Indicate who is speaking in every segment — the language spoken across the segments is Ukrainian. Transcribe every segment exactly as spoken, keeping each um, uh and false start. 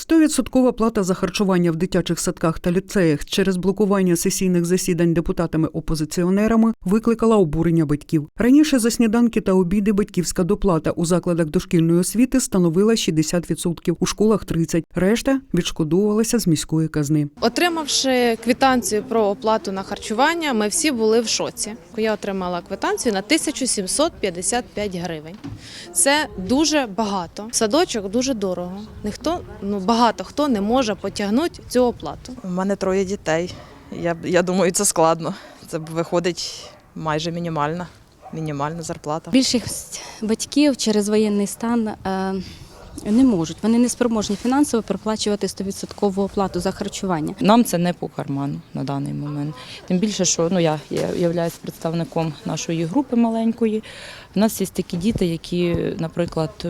Speaker 1: сто відсотків плата за харчування в дитячих садках та ліцеях через блокування сесійних засідань депутатами-опозиціонерами викликала обурення батьків. Раніше за сніданки та обіди батьківська доплата у закладах дошкільної освіти становила шістдесят відсотків, у школах – тридцять відсотків. Решта відшкодовувалася з міської казни.
Speaker 2: Отримавши квитанцію про оплату на харчування, ми всі були в шоці. Я отримала квитанцію на тисячу сімсот п'ятдесят п'ять гривень. Це дуже багато. Садочок дуже дорого. Ніхто, ну багато хто не може потягнути цю оплату.
Speaker 3: У мене троє дітей. Я, я думаю, це складно. Це виходить майже мінімальна, мінімальна зарплата.
Speaker 4: Більшість батьків через воєнний стан е, не можуть. Вони не спроможні фінансово проплачувати сто відсотків оплату за харчування.
Speaker 5: Нам це не по карману на даний момент. Тим більше, що ну, я являюсь представником нашої групи маленької. У нас є такі діти, які, наприклад,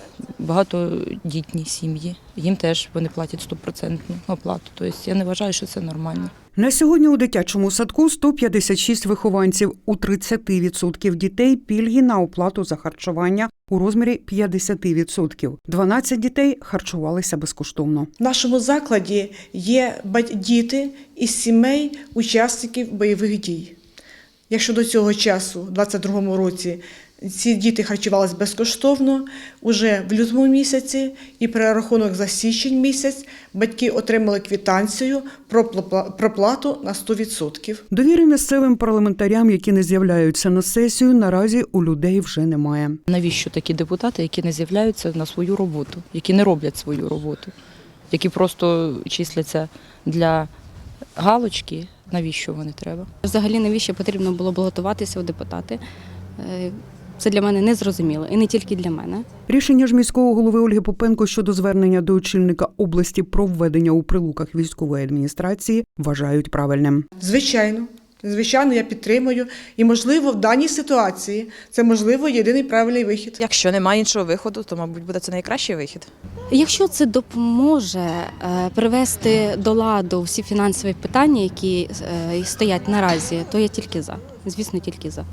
Speaker 5: багатодітні сім'ї. Їм теж вони платять стопроцентну оплату. Тобто я не вважаю, що це нормально.
Speaker 1: На сьогодні у дитячому садку сто п'ятдесят шість вихованців. У тридцять відсотків дітей пільги на оплату за харчування у розмірі п'ятдесят відсотків. дванадцять дітей харчувалися безкоштовно.
Speaker 6: В нашому закладі є діти із сімей учасників бойових дій. Якщо до цього часу, у двадцять другому році, ці діти харчувалися безкоштовно, уже в лютому місяці і перерахунок за січень місяць батьки отримали квитанцію про проплату на сто відсотків.
Speaker 1: Довіри місцевим парламентарям, які не з'являються на сесію, наразі у людей вже немає.
Speaker 5: Навіщо такі депутати, які не з'являються на свою роботу, які не роблять свою роботу, які просто числяться для галочки, навіщо вони треба?
Speaker 4: Взагалі, навіщо потрібно було балотуватися у депутати? Це для мене незрозуміло, і не тільки для мене.
Speaker 1: Рішення ж міського голови Ольги Попенко щодо звернення до очільника області про введення у Прилуках військової адміністрації вважають правильним.
Speaker 6: Звичайно, звичайно, я підтримую. І, можливо, в даній ситуації це, можливо, єдиний правильний вихід.
Speaker 3: Якщо немає іншого виходу, то, мабуть, буде це найкращий вихід.
Speaker 4: Якщо це допоможе привести до ладу всі фінансові питання, які стоять наразі, то я тільки за. Звісно, тільки за.